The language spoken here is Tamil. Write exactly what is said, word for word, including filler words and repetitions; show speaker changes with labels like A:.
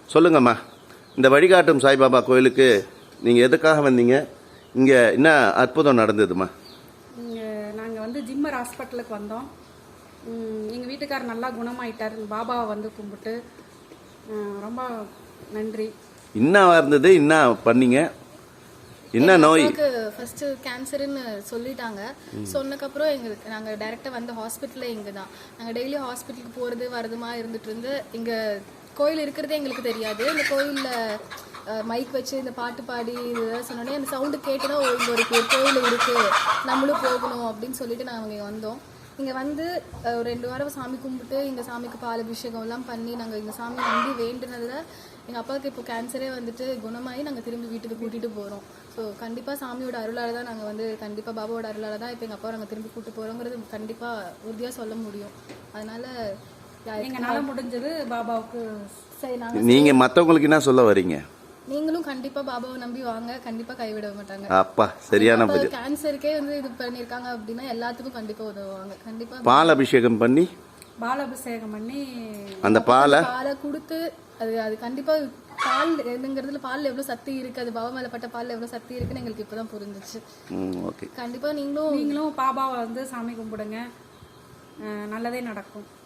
A: சொல்லுங்கம்மா, இந்த வழிகாட்டும் சாய்பாபா கோயிலுக்கு நீங்கள் எதுக்காக வந்தீங்க? இங்கே என்ன அற்புதம் நடந்ததுமா?
B: இங்கே நாங்கள் வந்து ஜிம்மர் ஹாஸ்பிட்டலுக்கு வந்தோம். எங்கள் வீட்டுக்காரர் நல்லா குணமாயிட்டார். பாபாவை வந்து கும்பிட்டு ரொம்ப நன்றி. என்ன
A: இருந்தது, என்ன பண்ணீங்க, என்ன நோய்?
C: ஃபர்ஸ்ட் கேன்சர்னு சொல்லிட்டாங்க. சொன்னக்கப்புறம் எங்களுக்கு நாங்கள் டைரெக்டாக வந்து ஹாஸ்பிட்டலில் இங்கே தான் நாங்கள் டெய்லி ஹாஸ்பிட்டலுக்கு போகிறது வரதுமா இருந்துட்டு இருந்து இங்கே கோயில் இருக்கிறதே எங்களுக்கு தெரியாது. இந்த கோயிலில் மைக் வச்சு இந்த பாட்டு பாடி இதெல்லாம் சொன்னோடனே அந்த சவுண்டு கேட்டுனா இங்கே ஒரு கோயில் இருக்குது, நம்மளும் போகணும் அப்படின்னு சொல்லிட்டு நாங்கள் இங்கே வந்தோம். இங்கே வந்து ஒரு ரெண்டு வாரம் சாமி கும்பிட்டு இங்கே சாமிக்கு பால் அபிஷேகம்லாம் பண்ணி நாங்கள் இங்கே சாமி நம்பி வேண்டுனதில் எங்கள் அப்பாவுக்கு இப்போ கேன்சரே வந்துட்டு குணமாகி நாங்கள் திரும்பி வீட்டுக்கு கூட்டிகிட்டு போகிறோம். ஸோ கண்டிப்பாக சாமியோட அருளால் தான் நாங்கள் வந்து கண்டிப்பாக பாபாவோட அருளால் தான் இப்போ எங்கள் அப்பாவை நாங்கள் திரும்பி கூப்பிட்டு போகிறோங்கிறது கண்டிப்பாக உறுதியாக சொல்ல முடியும். அதனால்
B: எங்களால் முடிஞ்சது பாபாவுக்கு.
C: சரி, நாங்கள்
A: நீங்கள் மற்றவங்களுக்கு என்ன சொல்ல வரீங்க?
C: நீங்களும் கண்டிப்பா பாபாவை நம்பி வாங்க, கண்டிப்பா கைவிட மாட்டாங்க.
A: அப்பா சரியான பதில்.
C: கேன்சருக்கே வந்து இது பண்ணிருக்காங்க அப்படின்னா எல்லாத்துக்கும் கண்டிப்பா உதவுவாங்க. கண்டிப்பா
A: பால் அபிஷேகம் பண்ணி
B: பால் அபிஷேகம் பண்ணி
A: அந்த பாலை
C: பாலை கொடுத்து அது அது கண்டிப்பா பால் என்னங்கிறதுல பால் எவ்வளவு சக்தி இருக்கு, அது பாபா மேல பட்ட பால் எவ்வளவு சக்தி இருக்குன்னு எங்களுக்கு இப்பதான் புரிஞ்சிச்சு.
B: கண்டிப்பா நீங்களும் நீங்களும் பாபாவை வந்து சாமி கும்பிடுங்க, நல்லதே நடக்கும்.